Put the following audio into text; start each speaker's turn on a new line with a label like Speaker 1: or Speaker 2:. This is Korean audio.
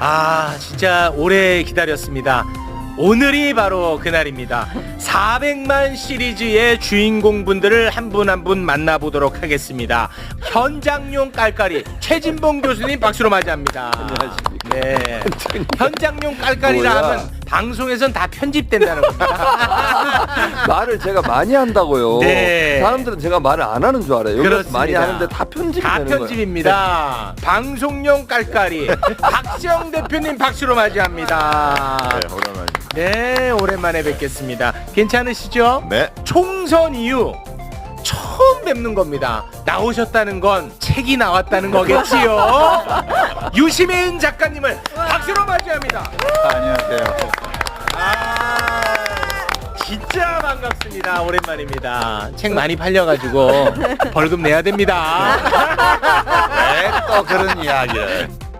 Speaker 1: 아, 진짜 오래 기다렸습니다. 오늘이 바로 그날입니다. 400만 시리즈의 주인공분들을 한 분 한 분 만나보도록 하겠습니다. 현장용 깔깔이 최진봉 교수님 박수로 맞이합니다.
Speaker 2: 안녕하십니까.
Speaker 1: 네. 현장용 깔깔이라
Speaker 2: 뭐야?
Speaker 1: 하면 방송에선 다 편집된다는 겁니다.
Speaker 2: 말을 제가 많이 한다고요.
Speaker 1: 네.
Speaker 2: 사람들은 제가 말을 안 하는 줄 알아요. 여기서
Speaker 1: 그렇습니다.
Speaker 2: 많이 하는데 다 편집이
Speaker 1: 다
Speaker 2: 되는 거예요.
Speaker 1: 편집입니다. 방송용 깔깔이 박지영 대표님 박수로 맞이합니다.
Speaker 3: 네, 오랜만입니다.
Speaker 1: 네, 오랜만에 뵙겠습니다. 괜찮으시죠?
Speaker 3: 네.
Speaker 1: 총선 이후 처음 뵙는 겁니다. 나오셨다는 건 책이 나왔다는 거겠지요. 유시민 작가님을 박수로 맞이합니다.
Speaker 3: 안녕하세요.
Speaker 1: 아, 진짜 반갑습니다. 오랜만입니다. 책 많이 팔려가지고 벌금 내야 됩니다.
Speaker 3: 네, 또 그런 이야기를.